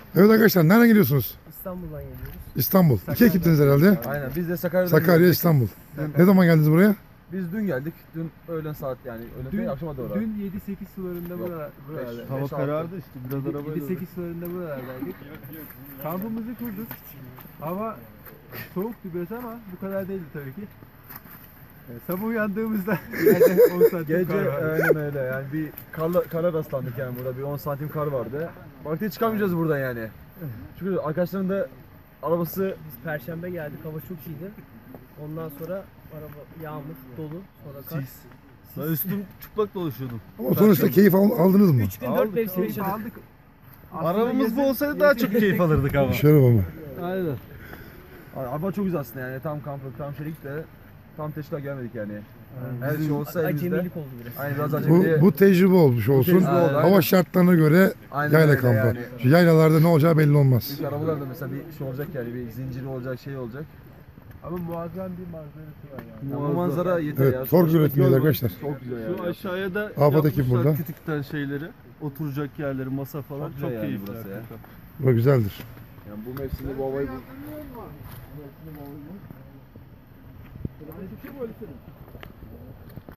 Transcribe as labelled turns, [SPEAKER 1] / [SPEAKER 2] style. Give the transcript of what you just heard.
[SPEAKER 1] Evet arkadaşlar, nereden geliyorsunuz?
[SPEAKER 2] İstanbul'dan geliyoruz.
[SPEAKER 1] İstanbul. İki ekiptiniz herhalde.
[SPEAKER 3] Aynen biz de Sakarya'dan
[SPEAKER 1] Sakarya,
[SPEAKER 3] geldik.
[SPEAKER 1] İstanbul. Ne zaman geldiniz buraya?
[SPEAKER 3] Biz dün geldik. Dün öğlen saat yani öğlen değil akşama doğru.
[SPEAKER 2] Dün 7-8 sularında
[SPEAKER 3] Yok,
[SPEAKER 2] buralarda.
[SPEAKER 3] Hava karardı
[SPEAKER 4] işte biraz arabayla.
[SPEAKER 2] 7-8 sularında buralardaydık. Kampımızı kurduk. Hava soğuktu biraz ama bu kadar değildi tabii ki. Sabah uyandığımızda yerde 10 santim
[SPEAKER 3] Gece
[SPEAKER 2] kar vardı.
[SPEAKER 3] aynen öyle yani bir kara rastlandık yani burada bir 10 santim kar vardı. Baktık çıkamayacağız buradan yani. Çünkü arkadaşların da arabası
[SPEAKER 2] Biz Perşembe geldik, hava çok iyiydi. Ondan sonra araba yağmur, dolu, sonra kar.
[SPEAKER 4] Ben üstüm çıplak dolaşıyordum.
[SPEAKER 1] Ama sonuçta keyif aldınız mı?
[SPEAKER 2] 3 gün 4 mevsim yaşadık. Aldık.
[SPEAKER 4] Arabamız bu olsaydı daha çok keyif alırdık ama.
[SPEAKER 1] Şeref ama.
[SPEAKER 4] Aynen.
[SPEAKER 3] araba çok güzel aslında yani tam kamplık tam şeylik de tam teşkil gelmedik yani. Her şey olsa elimizde.
[SPEAKER 2] Acemilik oldu biraz.
[SPEAKER 3] Aynen biraz acemiliğe.
[SPEAKER 1] Bu tecrübe olmuş olsun.
[SPEAKER 3] tecrübe oldu,
[SPEAKER 1] Hava
[SPEAKER 3] aynen.
[SPEAKER 1] şartlarına göre
[SPEAKER 3] Aynen
[SPEAKER 1] yayla
[SPEAKER 3] öyle
[SPEAKER 1] kampı.
[SPEAKER 3] yani.
[SPEAKER 1] Şu yaylalarda ne olacağı belli olmaz.
[SPEAKER 3] Çünkü arabalarda mesela bir şey olacak yani bir zinciri olacak şey olacak.
[SPEAKER 2] Ama muazzam bir manzarası var yani.
[SPEAKER 3] Yani bu manzara yeter ya.
[SPEAKER 1] Evet, tork üretimiyiz arkadaşlar.
[SPEAKER 3] Çok güzel yani.
[SPEAKER 4] Şu aşağıya da
[SPEAKER 1] Afat ekip
[SPEAKER 4] yapmışlar
[SPEAKER 1] burada.
[SPEAKER 4] kütükten şeyleri. Oturacak yerleri, masa falan.
[SPEAKER 3] Çok
[SPEAKER 4] Çok,
[SPEAKER 3] güzel yani
[SPEAKER 4] keyifli
[SPEAKER 3] burası ya.
[SPEAKER 4] hakikaten.
[SPEAKER 1] Bu güzeldir.
[SPEAKER 3] Yani bu mevsimde bu havayı